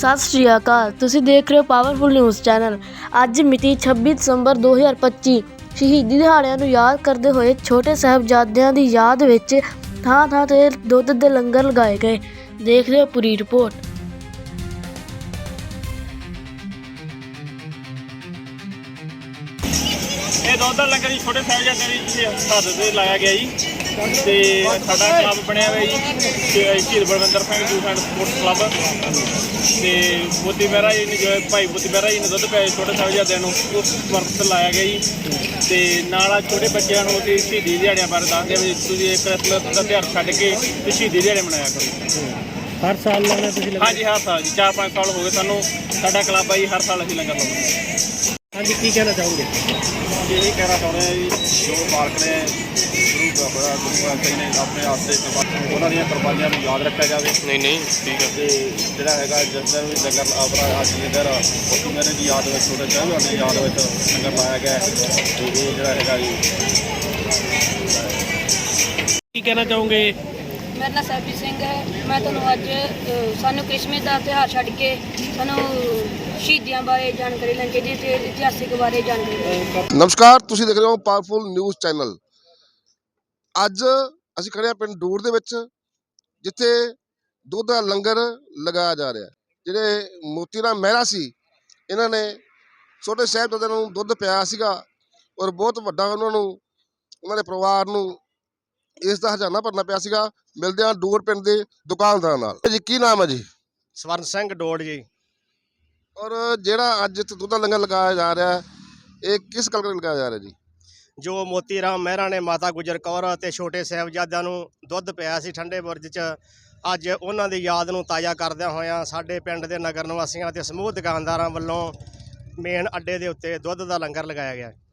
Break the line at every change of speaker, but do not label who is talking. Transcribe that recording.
सत श्री अकाल। तुसीं देख रहे हो पावरफुल न्यूज़ चैनल। अज मिति 26 दसंबर 2025 शहीदी दिहाड़िਆਂ ਨੂੰ याद करते हुए छोटे साहिबजादिਆਂ ਦੀ याद ਵਿੱਚ ਥਾਂ-ਥਾਂ ਤੇ ਦੁੱਧ ਦੇ ਲੰਗਰ ਲਗਾਏ ਗਏ। देख रहे हो पूरी रिपोर्ट।
ਇਹ ਦੁੱਧ ਦਾ ਲੰਗਰ ਜੀ ਛੋਟੇ ਸਾਹਿਬਜ਼ਾਦਿਆਂ ਦੀ ਹੱਦ ਤੇ ਲਾਇਆ ਗਿਆ ਜੀ ਤੇ ਸਾਡਾ ਕਲੱਬ ਬਣਿਆ ਹੋਇਆ ਜੀ Shaheed Balwinder Singh youth and sports club ਤੇ ਮੋਤੀ ਮਹਿਰਾ ਜੀ ਨੇ ਜੋ ਭਾਈ ਮੋਤੀ ਮਹਿਰਾ ਜੀ ਨੇ ਦੁੱਧ ਪਿਆਏ ਛੋਟੇ ਸਾਹਿਬਜ਼ਾਦਿਆਂ ਨੂੰ ਉਸ ਵਰਤ ਲਾਇਆ ਗਿਆ ਜੀ ਤੇ ਨਾਲ ਆ ਛੋਟੇ ਬੱਚਿਆਂ ਨੂੰ ਅਸੀਂ ਸ਼ਹੀਦੀ ਦਿਹਾੜਿਆਂ ਬਾਰੇ ਦੱਸਦੇ ਵੀ ਤੁਸੀਂ ਇਹ ਕ੍ਰਿਸਮਸ ਦਾ ਤਿਉਹਾਰ ਛੱਡ ਕੇ ਤੇ ਸ਼ਹੀਦੀ ਦਿਹਾੜੇ ਮਨਾਇਆ ਕਰੋ।
हर साल लाना तुसीं लंगर?
हाँ जी हर साल जी 4-5 साल हो गए सानू साडा क्लब है जी हर साल असीं लंगर लाउंदे।
हाँ जी की कहना चाहोगे?
यही कहना चाਹੁੰਦੇ हैं जी जो मालक ने गुरु ग्रंथ ने अपने वास्ते ਉਹਨਾਂ ਦੀਆਂ ਕੁਰਬਾਨੀਆਂ ਨੂੰ ਯਾਦ ਰੱਖਿਆ ਜਾਵੇ। ਨਹੀਂ ਠੀਕ ਹੈ ਤੇ ਜਿਹੜਾ ਹੈਗਾ ਜਿਸ ਦਿਨ ਵੀ ਲੰਗਰ ਆਪਣਾ ਅੱਜ ਦੇ ਦਿਨ ਉਹ ਮੇਰੇ ਦੀ ਯਾਦ ਵਿੱਚ ਛੋਟੇ ਸਾਹਿਬਾਨ ਦੀ ਯਾਦ ਵਿੱਚ ਲੰਗਰ ਲਾਇਆ ਗਿਆ ਤੇ ਇਹ ਜਿਹੜਾ ਹੈਗਾ ਜੀ
की कहना चाहोगे?
मेरा नाम सरबजीत सिंह है। मैं तुहानूं अज सानूं क्रिसमस का त्यौहार छड्ड के सानूं शहीदियां बारे जानकारी लैनी चाहिए ते इतिहासिक बारे जानकारी।
नमस्कार, तुसीं देख रहे हो पावरफुल न्यूज़ चैनल। ਅੱਜ ਅਸੀਂ ਖੜੇ ਹਾਂ ਪਿੰਡ ਡੂਰ ਦੇ ਵਿੱਚ ਜਿੱਥੇ ਦੁੱਧ ਦਾ ਲੰਗਰ ਲਗਾਇਆ ਜਾ ਰਿਹਾ। ਜਿਹੜੇ ਮੋਤੀ ਰਾਮ ਮਹਿਰਾ ਸੀ ਇਹਨਾਂ ਨੇ ਛੋਟੇ ਸਾਹਿਬਜ਼ਾਦਿਆਂ ਨੂੰ ਦੁੱਧ ਪਿਆਇਆ ਸੀਗਾ ਔਰ ਬਹੁਤ ਵੱਡਾ ਉਹਨਾਂ ਦੇ ਪਰਿਵਾਰ ਨੂੰ ਇਸ ਦਾ ਹਜ਼ਾਨਾ ਭਰਨਾ ਪਿਆ ਸੀਗਾ। ਮਿਲਦੇ ਹਾਂ ਡੂਰ ਪਿੰਡ ਦੇ ਦੁਕਾਨਦਾਰਾਂ ਨਾਲ। ਜੀ ਕੀ ਨਾਮ ਹੈ ਜੀ?
ਸਵਰਨ ਸਿੰਘ ਡੋੜ ਜੀ।
ਔਰ ਜਿਹੜਾ ਅੱਜ ਇੱਥੇ ਦੁੱਧ ਦਾ ਲੰਗਰ ਲਗਾਇਆ ਜਾ ਰਿਹਾ ਇਹ ਕਿਸ ਗੱਲ ਕਰਕੇ ਲਗਾਇਆ ਜਾ ਰਿਹਾ ਜੀ?
ਜੋ ਮੋਤੀ ਰਾਮ ਮਹਿਰਾ ਨੇ ਮਾਤਾ ਗੁਜਰ ਕੌਰ ਅਤੇ ਛੋਟੇ ਸਾਹਿਬਜ਼ਾਦਿਆਂ ਨੂੰ ਦੁੱਧ ਪਿਆਇਆ ਸੀ ਠੰਡੇ ਬੁਰਜ 'ਚ, ਅੱਜ ਉਹਨਾਂ ਦੀ ਯਾਦ ਨੂੰ ਤਾਜ਼ਾ ਕਰਦਿਆਂ ਹੋਇਆਂ ਸਾਡੇ ਪਿੰਡ ਦੇ ਨਗਰ ਨਿਵਾਸੀਆਂ ਅਤੇ ਸਮੂਹ ਦੁਕਾਨਦਾਰਾਂ ਵੱਲੋਂ ਮੇਨ ਅੱਡੇ ਦੇ ਉੱਤੇ ਦੁੱਧ ਦਾ ਲੰਗਰ ਲਗਾਇਆ ਗਿਆ।